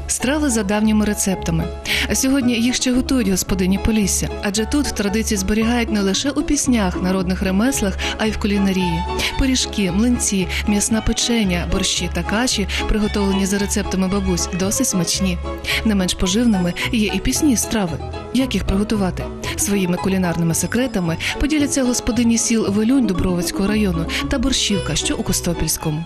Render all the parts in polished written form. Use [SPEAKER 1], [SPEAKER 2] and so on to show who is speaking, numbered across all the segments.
[SPEAKER 1] Страви за давніми рецептами. А сьогодні їх ще готують господині Полісся, адже тут традиції зберігають не лише у піснях, народних ремеслах, а й в кулінарії. Пиріжки, млинці, м'ясна печеня, борщі та каші, приготовлені за рецептами бабусь, досить смачні. Не менш поживними є і пісні страви. Як їх приготувати? Своїми кулінарними секретами поділяться господині сіл Велюнь Дубровицького району та Борщівка, що у Костопільському.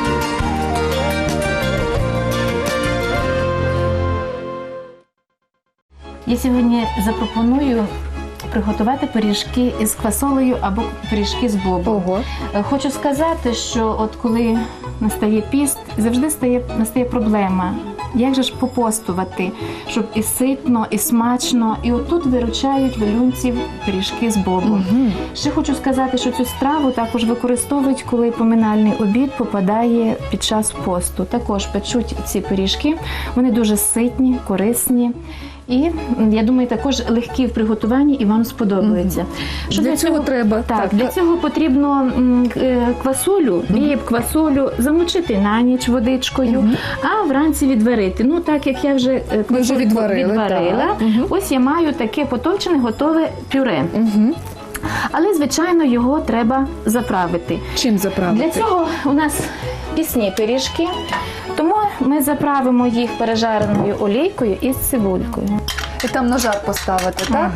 [SPEAKER 2] Я сьогодні запропоную приготувати пиріжки із квасолею або пиріжки з бобом.
[SPEAKER 3] Ого.
[SPEAKER 2] Хочу сказати, що от коли настає піст, завжди настає проблема. Як же ж попостувати, щоб і ситно, і смачно. І отут виручають велюнців пиріжки з бобом. Ще хочу сказати, що цю страву також використовують, коли поминальний обід попадає під час посту. Також печуть ці пиріжки, вони дуже ситні, корисні. І, я думаю, також легкі в приготуванні і вам сподобаються.
[SPEAKER 3] Що для цього треба?
[SPEAKER 2] Так, для цього потрібно квасолю, квасолю замочити на ніч водичкою, а вранці відварити. Ну, так як я вже квасольку відварила, ось я маю таке потовчене, готове пюре. Але, звичайно, його треба заправити.
[SPEAKER 3] Чим заправити?
[SPEAKER 2] Для цього у нас пісні пиріжки, тому ми заправимо їх пережареною олійкою із цибулькою.
[SPEAKER 3] І там на жар поставити, так?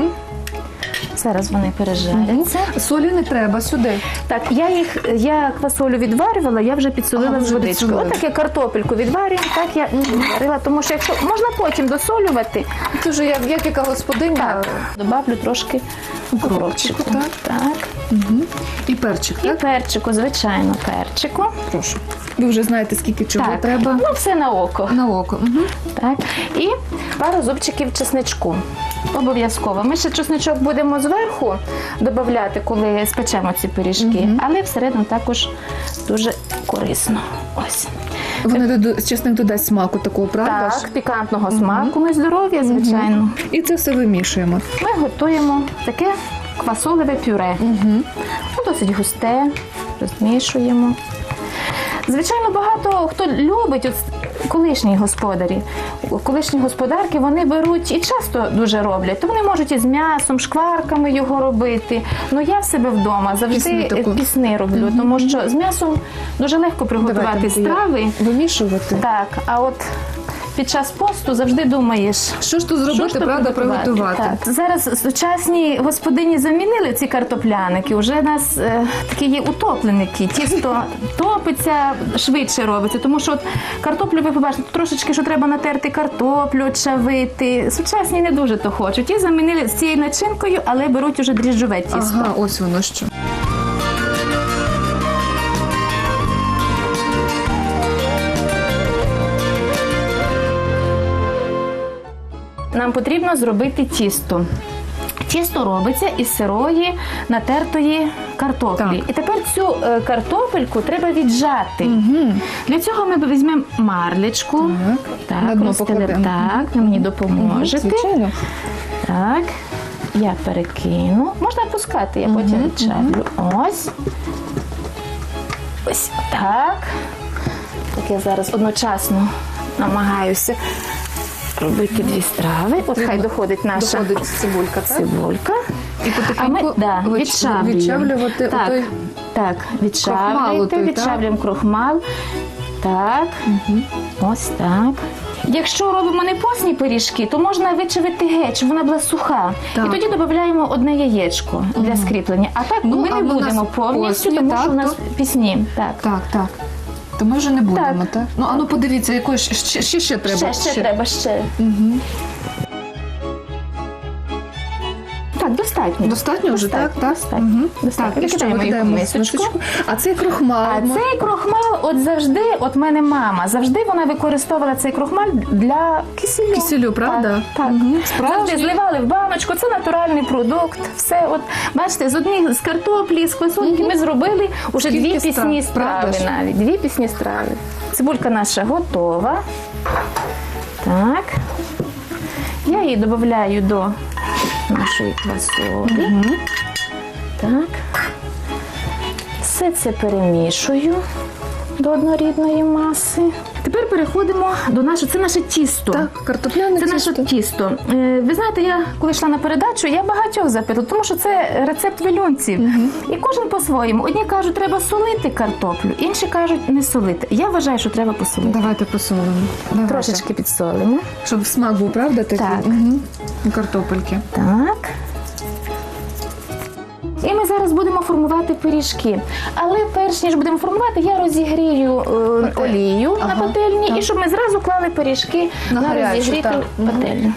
[SPEAKER 2] Зараз вони пережаряться.
[SPEAKER 3] Солі не треба сюди.
[SPEAKER 2] Так, я квасолю відварювала, я вже підсолила з водичкою. Отак я картопельку відварюю, так я відварила, тому що якщо можна потім досолювати.
[SPEAKER 3] Це вже як яка господиня.
[SPEAKER 2] Так, добавлю трошки укропчику. Так.
[SPEAKER 3] І перчик, так?
[SPEAKER 2] І перчику, звичайно, перчику.
[SPEAKER 3] Прошу. Ви вже знаєте, скільки чого
[SPEAKER 2] Так.
[SPEAKER 3] треба.
[SPEAKER 2] Ну, все на око.
[SPEAKER 3] На око.
[SPEAKER 2] Так. І пару зубчиків чесничку. Обов'язково. Ми ще чесничок будемо зверху додавати, коли спечемо ці пиріжки, але всередину також дуже корисно. Ось.
[SPEAKER 3] Чесник додасть смаку такого, правда?
[SPEAKER 2] Так, пікантного смаку, ну і здоров'я, звичайно.
[SPEAKER 3] І це все вимішуємо.
[SPEAKER 2] Ми готуємо таке квасолеве пюре. Ну, досить густе, розмішуємо. Звичайно, багато хто любить, от колишні господарі, колишні господарки, вони беруть і часто дуже роблять, то вони можуть із м'ясом, шкварками його робити. Ну я в себе вдома завжди пісни роблю, тому що з м'ясом дуже легко приготувати страви.
[SPEAKER 3] Вимішувати.
[SPEAKER 2] Так, а от під час посту завжди думаєш,
[SPEAKER 3] що ж тут зробити, правда, приготувати.
[SPEAKER 2] Так. Зараз сучасні господині замінили ці картопляники. Уже у нас такі є утопленики. Тісто топиться, швидше робиться. Тому що от картоплю, ви побачите, трошечки, що треба натерти картоплю, чавити. Сучасні не дуже то хочуть. Ті замінили з цією начинкою, але беруть уже дріжджове тісто.
[SPEAKER 3] Ага, ось воно що.
[SPEAKER 2] Нам потрібно зробити тісто. Тісто робиться із сирої натертої картоплі.
[SPEAKER 3] Так.
[SPEAKER 2] І тепер цю картопельку треба віджати. Для цього ми візьмемо марлечку.
[SPEAKER 3] На дно
[SPEAKER 2] розстелимо.
[SPEAKER 3] покладемо.
[SPEAKER 2] Так, ви мені допоможете.
[SPEAKER 3] Звичайно.
[SPEAKER 2] Так, я перекину. Можна пускати, я потім відчаплю. Ось. Ось так. Так я зараз одночасно намагаюся робити дві страви. От хай доходить наша
[SPEAKER 3] цибулька, так?
[SPEAKER 2] цибулька.
[SPEAKER 3] І потихеньку відчавлювати отой
[SPEAKER 2] відчавлюємо крохмал. Так, ось так. Якщо робимо не постні пиріжки, то можна вичавити геть, щоб вона була суха.
[SPEAKER 3] Так.
[SPEAKER 2] І тоді додаємо одне яєчко для скріплення. А так ми не будемо повністю, тому що у нас пісні. Так.
[SPEAKER 3] Так. То ми вже не будемо, так? Ну, подивіться, якої ще треба.
[SPEAKER 2] Ще треба. Так, достатньо.
[SPEAKER 3] Достатньо вже, так?
[SPEAKER 2] Достатньо.
[SPEAKER 3] Так, і що
[SPEAKER 2] Викидаємо їх у
[SPEAKER 3] викидаємо
[SPEAKER 2] мисочку.
[SPEAKER 3] А цей крохмал?
[SPEAKER 2] Цей крохмал, от завжди, от мене мама, завжди вона використовувала цей крохмал для кисілю.
[SPEAKER 3] Кисілю, правда?
[SPEAKER 2] Так. Завжди зливали в баночку, це натуральний продукт. Все, от, бачите, з картоплі, з квасольки ми зробили уже дві пісні страви навіть. Дві пісні страви. Цибулька наша готова. Так. Я її додаю до нашої квасолі. Так. Все це перемішую до однорідної маси. Тепер переходимо до нашого, це наше тісто.
[SPEAKER 3] Так, картопляне
[SPEAKER 2] Це наше тісто. Ви знаєте, я коли йшла на передачу, я багатьох запитала, тому що це рецепт вилюнців. І кожен по-своєму. Одні кажуть, треба солити картоплю, інші кажуть, не солити. Я вважаю, що треба посолити.
[SPEAKER 3] Давайте посолимо. Давайте.
[SPEAKER 2] Трошечки підсолимо.
[SPEAKER 3] Щоб смак був, правда, такий?
[SPEAKER 2] Так.
[SPEAKER 3] Картопельки.
[SPEAKER 2] Так. І ми зараз будемо формувати пиріжки. Але перш ніж будемо формувати, я розігрію олію на пательні,
[SPEAKER 3] так.
[SPEAKER 2] і щоб ми зразу клали пиріжки
[SPEAKER 3] На
[SPEAKER 2] на
[SPEAKER 3] гарячу,
[SPEAKER 2] розігріту
[SPEAKER 3] так.
[SPEAKER 2] пательню.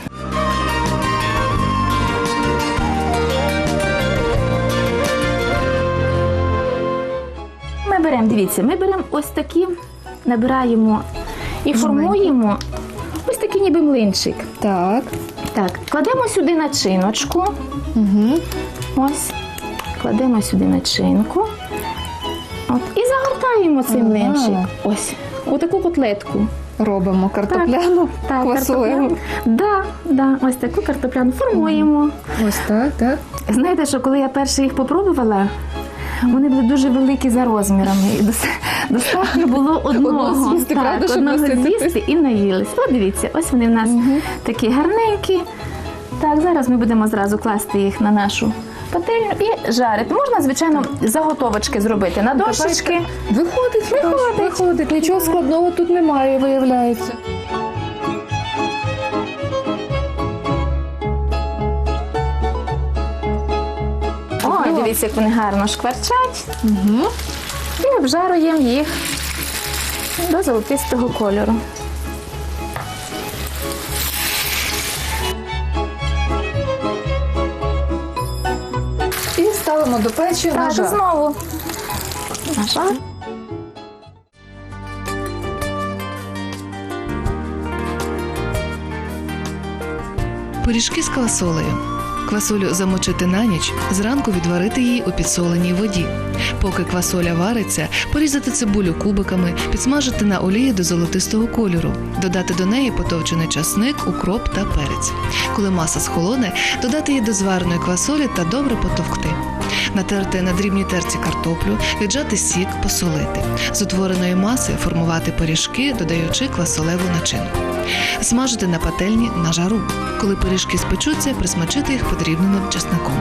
[SPEAKER 2] Ми беремо, дивіться, ми беремо ось такі, набираємо і формуємо ось такий ніби млинчик.
[SPEAKER 3] Так.
[SPEAKER 2] Так, кладемо сюди начиночку.
[SPEAKER 3] Угу.
[SPEAKER 2] Ось, кладемо сюди начинку. От, і загортаємо цей млинчик. Ось, у таку котлетку.
[SPEAKER 3] Робимо картопляну,
[SPEAKER 2] Так,
[SPEAKER 3] квасолеву.
[SPEAKER 2] Да, ось таку картопляну формуємо.
[SPEAKER 3] Ось так, так.
[SPEAKER 2] Знаєте, що коли я перше їх попробувала, вони були дуже великі за розмірами. І достатньо було одного
[SPEAKER 3] з'їсти, правда, щоб
[SPEAKER 2] одного
[SPEAKER 3] насититись?
[SPEAKER 2] з'їсти і наїлись. От дивіться, ось вони в нас такі гарненькі. Так, зараз ми будемо зразу класти їх на нашу пательню і жарити. Можна, звичайно, заготовочки зробити на дощечки.
[SPEAKER 3] Виходить. Нічого складного тут немає, виявляється.
[SPEAKER 2] Ой, дивіться, як вони гарно шкварчать. І обжаруємо їх до золотистого кольору.
[SPEAKER 3] І ставимо до печі на
[SPEAKER 2] Так,
[SPEAKER 3] жар.
[SPEAKER 2] знову на жар.
[SPEAKER 1] Пиріжки з квасолею. Квасолю замочити на ніч, зранку відварити її у підсоленій воді. Поки квасоля вариться, порізати цибулю кубиками, підсмажити на олії до золотистого кольору, додати до неї потовчений часник, укроп та перець. Коли маса схолоне, додати її до звареної квасолі та добре потовкти. Натерти на дрібній терці картоплю, віджати сік, посолити. З утвореної маси формувати пиріжки, додаючи квасолеву начинку. Смажити на пательні на жару. Коли пиріжки спечуться, присмачити їх подрібненим чесником.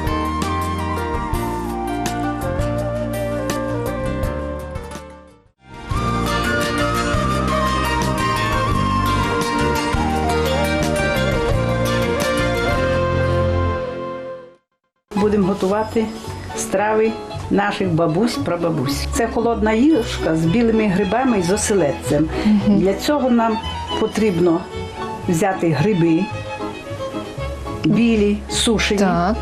[SPEAKER 4] Будемо готувати страви наших бабусь, прабабусь. Це холодна юшка з білими грибами і з оселедцем. Для цього нам потрібно взяти гриби, білі, сушені,
[SPEAKER 3] Так.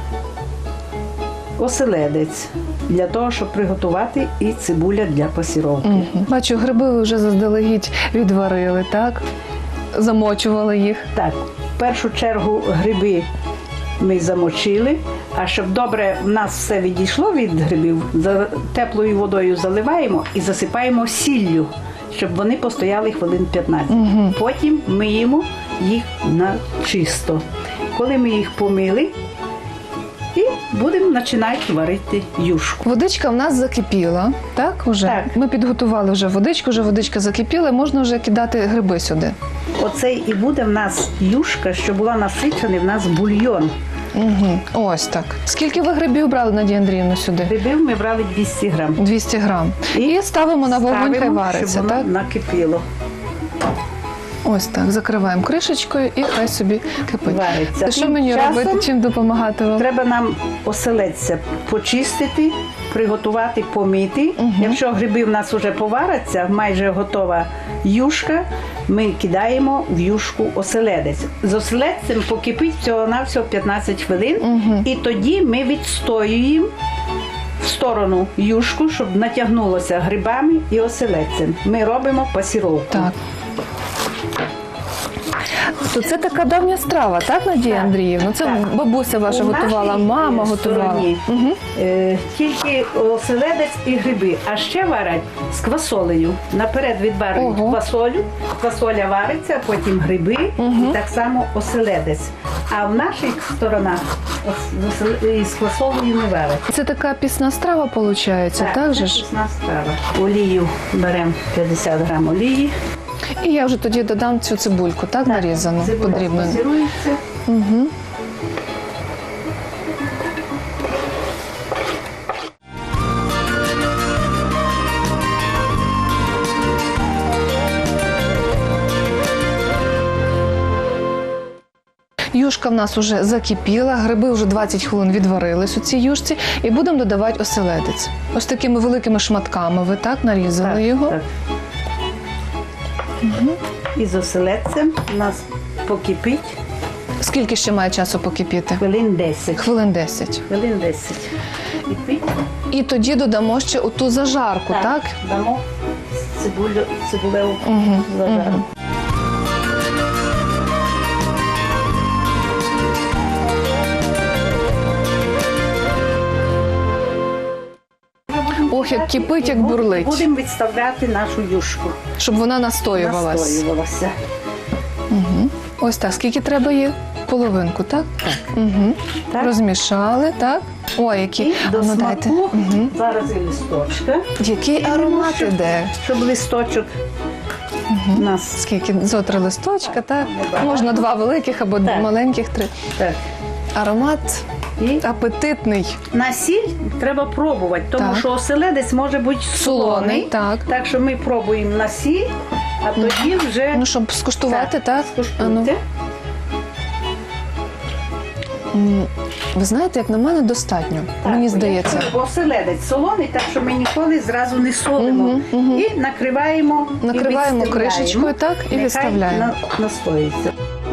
[SPEAKER 4] оселедець, для того, щоб приготувати, і цибуля для пасіровки.
[SPEAKER 3] Бачу, гриби ви вже заздалегідь відварили, так? Замочували їх.
[SPEAKER 4] Так, в першу чергу гриби ми замочили, а щоб добре в нас все відійшло від грибів, теплою водою заливаємо і засипаємо сіллю, щоб вони постояли хвилин 15. Потім миємо їх на чисто. Коли ми їх помили, і будемо починати варити юшку.
[SPEAKER 3] Водичка в нас закипіла, так? Уже?
[SPEAKER 4] Так.
[SPEAKER 3] Ми підготували вже водичка закипіла, можна вже кидати гриби сюди.
[SPEAKER 4] Оце і буде в нас юшка, що була насичений в нас бульйон.
[SPEAKER 3] Ось так. Скільки ви грибів брали, Надія Андріївна, сюди?
[SPEAKER 4] Грибів ми брали 200 грам.
[SPEAKER 3] 200 грам. І ставимо на вогонь, хай
[SPEAKER 4] Ставимо,
[SPEAKER 3] вариться,
[SPEAKER 4] щоб воно
[SPEAKER 3] так?
[SPEAKER 4] накипіло.
[SPEAKER 3] Ось так, закриваємо кришечкою і хай собі кипить.
[SPEAKER 4] Вариться.
[SPEAKER 3] Що
[SPEAKER 4] Тим
[SPEAKER 3] мені
[SPEAKER 4] часом
[SPEAKER 3] робити, чим допомагати вам?
[SPEAKER 4] Треба нам оселедця почистити, приготувати, помити. Якщо гриби в нас вже поваряться, майже готова юшка, ми кидаємо в юшку оселедець. З оселедцем покипить всього-навсього 15 хвилин, і тоді ми відстоюємо в сторону юшку, щоб натягнулося грибами і оселедцем. Ми робимо пасіровку.
[SPEAKER 3] Так. То це така давня страва, так, Надія
[SPEAKER 4] Так,
[SPEAKER 3] Андріївна? Це
[SPEAKER 4] так.
[SPEAKER 3] бабуся ваша
[SPEAKER 4] У
[SPEAKER 3] готувала,
[SPEAKER 4] нашій,
[SPEAKER 3] мама готувала.
[SPEAKER 4] стороні,
[SPEAKER 3] Угу.
[SPEAKER 4] Тільки оселедець і гриби, а ще варять з квасолею. Наперед відварюють
[SPEAKER 3] Ого.
[SPEAKER 4] квасолю, квасоля вариться, потім гриби і так само оселедець. А в наших сторонах з квасолею не варять.
[SPEAKER 3] Це така пісна страва, виходить, так же
[SPEAKER 4] це
[SPEAKER 3] ж?
[SPEAKER 4] пісна страва. Олію беремо 50 грам олії.
[SPEAKER 3] І я вже тоді додам цю цибульку, так, нарізану,
[SPEAKER 4] Цибуля
[SPEAKER 3] подрібну.
[SPEAKER 4] пасирується.
[SPEAKER 3] Угу. Юшка в нас вже закипіла, гриби вже 20 хвилин відварились у цій юшці, і будемо додавати оселедець. Ось такими великими шматками ви так нарізали його.
[SPEAKER 4] Так. І з оселедцем у нас покипить
[SPEAKER 3] Скільки ще має часу покипіти?
[SPEAKER 4] хвилин 10.
[SPEAKER 3] Хвилин 10.
[SPEAKER 4] Хвилин 10. Кипить.
[SPEAKER 3] І тоді додамо ще оту зажарку, так?
[SPEAKER 4] Дамо цибулеву
[SPEAKER 3] Угу.
[SPEAKER 4] зажарку.
[SPEAKER 3] Ох, як кипить, як бурлить.
[SPEAKER 4] Будемо відставляти нашу юшку.
[SPEAKER 3] Щоб вона настоювалась.
[SPEAKER 4] Настоювалася.
[SPEAKER 3] Угу. Ось так. Скільки треба її? Половинку, так? Так. Угу.
[SPEAKER 4] Так.
[SPEAKER 3] Розмішали, так? Ой, які.
[SPEAKER 4] І до
[SPEAKER 3] А ну, дайте.
[SPEAKER 4] смаку
[SPEAKER 3] Угу.
[SPEAKER 4] зараз і листочка.
[SPEAKER 3] Який аромат іде.
[SPEAKER 4] Щоб листочок у нас
[SPEAKER 3] Скільки? Зо 3 листочка, так?
[SPEAKER 4] Небагато.
[SPEAKER 3] Можна 2 великих або
[SPEAKER 4] Так.
[SPEAKER 3] маленьких 3.
[SPEAKER 4] так.
[SPEAKER 3] Аромат
[SPEAKER 4] І
[SPEAKER 3] апетитний.
[SPEAKER 4] на сіль треба пробувати, тому
[SPEAKER 3] Так.
[SPEAKER 4] що оселедець може бути солоний.
[SPEAKER 3] Так.
[SPEAKER 4] Так що ми пробуємо на сіль, а тоді вже
[SPEAKER 3] Ну, щоб скуштувати, так?
[SPEAKER 4] скуштуйте.
[SPEAKER 3] А ну. Ви знаєте, як на мене, достатньо.
[SPEAKER 4] Так,
[SPEAKER 3] Мені
[SPEAKER 4] бо
[SPEAKER 3] здається.
[SPEAKER 4] якщо оселедець солоний, так що ми ніколи зразу не солимо.
[SPEAKER 3] Мгм, мгм.
[SPEAKER 4] І накриваємо.
[SPEAKER 3] Накриваємо
[SPEAKER 4] і відставляємо.
[SPEAKER 3] кришечкою, так, і
[SPEAKER 4] Нехай
[SPEAKER 3] відставляємо.
[SPEAKER 4] настоїться.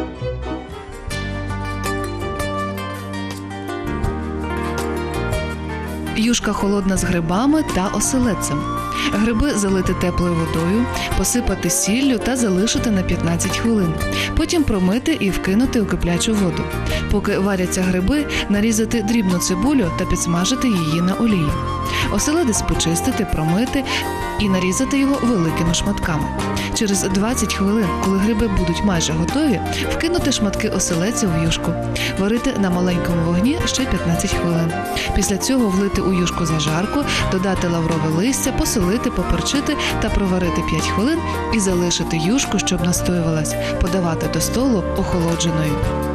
[SPEAKER 1] Юшка холодна з грибами та оселедцем. Гриби залити теплою водою, посипати сіллю та залишити на 15 хвилин. Потім промити і вкинути у киплячу воду. Поки варяться гриби, нарізати дрібну цибулю та підсмажити її на олії. Оселедець почистити, промити і нарізати його великими шматками. Через 20 хвилин, коли гриби будуть майже готові, вкинути шматки оселедця в юшку. Варити на маленькому вогні ще 15 хвилин. Після цього влити у юшку зажарку, додати лаврове листя, посолити, поперчити та проварити 5 хвилин і залишити юшку, щоб настоювалась, подавати до столу охолодженою.